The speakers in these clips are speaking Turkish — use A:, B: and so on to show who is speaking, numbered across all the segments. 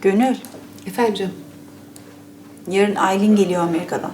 A: Gönül,
B: Efendim canım?
A: yarın Aylin geliyor Amerika'dan.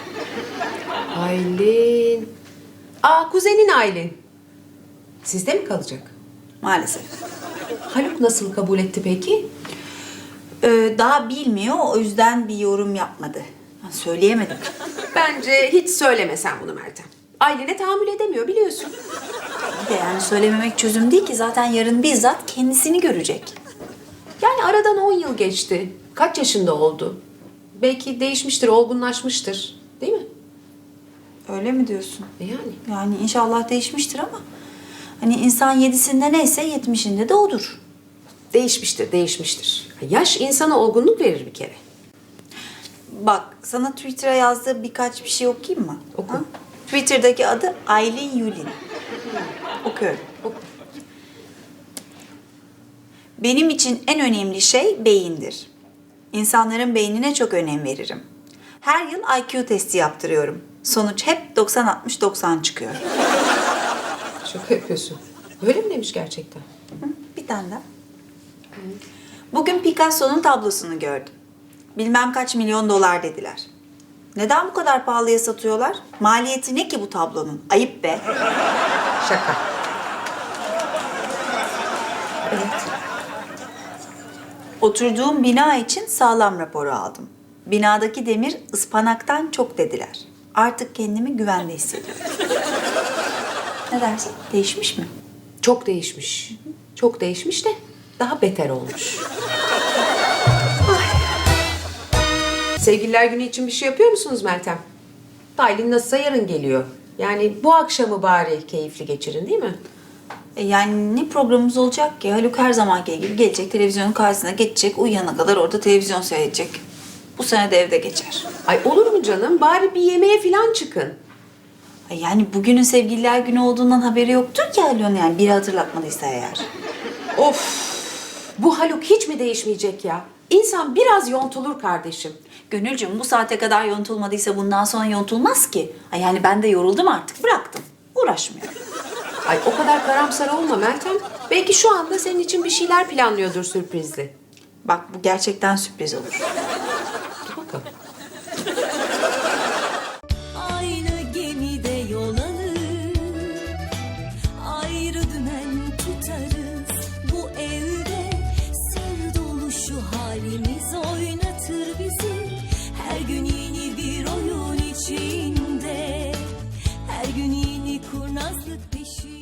B: Aylin. Aa, kuzenin Aylin. Sizde mi kalacak?
A: Maalesef.
B: Haluk nasıl kabul etti peki?
A: Daha bilmiyor, o yüzden bir yorum yapmadı. Ben söyleyemedim.
B: Bence hiç söyleme sen bunu Meltem. Aylin'e tahammül edemiyor biliyorsun.
A: Bir de yani söylememek çözüm değil ki. Zaten yarın bizzat kendisini görecek.
B: Yani aradan 10 yıl geçti. Kaç yaşında oldu? Belki değişmiştir, olgunlaşmıştır. Değil mi?
A: Öyle mi diyorsun?
B: Yani.
A: Yani inşallah değişmiştir ama... Hani insan 7'sinde neyse 70'inde de odur.
B: Değişmiştir, değişmiştir. Yaş insana olgunluk verir bir kere.
A: Bak, sana Twitter'a yazdığı birkaç bir şey okuyayım mı?
B: Oku.
A: Ha? Twitter'daki adı Aylin Yulin. Okuyorum.
B: Oku.
A: Benim için en önemli şey beyindir. İnsanların beynine çok önem veririm. Her yıl IQ testi yaptırıyorum. Sonuç hep 90-60-90 çıkıyor.
B: Şaka yapıyorsun. Öyle mi demiş gerçekten?
A: Hı, bir tane daha. Bugün Picasso'nun tablosunu gördüm. Bilmem kaç milyon dolar dediler. Neden bu kadar pahalıya satıyorlar? Maliyeti ne ki bu tablonun? Ayıp be.
B: Şaka.
A: Evet. Oturduğum bina için sağlam raporu aldım. Binadaki demir ıspanaktan çok dediler. Artık kendimi güvende hissediyorum. Ne dersin? Değişmiş mi?
B: Çok değişmiş. Çok değişmiş de daha beter olmuş. Ay. Sevgililer günü için bir şey yapıyor musunuz Meltem? Aylin nasılsa yarın geliyor. Yani bu akşamı bari keyifli geçirin değil mi?
A: Yani ne programımız olacak ki? Haluk her zamanki gibi gelecek, televizyonun karşısına geçecek, uyuyana kadar orada televizyon seyredecek. Bu sene de evde geçer.
B: Ay olur mu canım? Bari bir yemeğe falan çıkın.
A: Yani bugünün sevgililer günü olduğundan haberi yoktur ki Haluk'un, yani biri hatırlatmadıysa eğer.
B: Of! Bu Haluk hiç mi değişmeyecek ya? İnsan biraz yontulur kardeşim.
A: Gönülcüm, bu saate kadar yontulmadıysa bundan sonra yontulmaz ki. Yani ben de yoruldum artık, bıraktım. Uğraşmıyorum.
B: Ay o kadar karamsar olma Meltem. Belki şu anda senin için bir şeyler planlıyordur sürprizli.
A: Bak, bu gerçekten sürpriz olur.
B: Dur bakalım.
C: Aynı gemide yol alır, ayrı dümen tutarız. Bu evde sır dolu şu halimiz oynatır bizi. Her gün yeni bir oyun içinde, her gün yeni kurnazlık peşinde.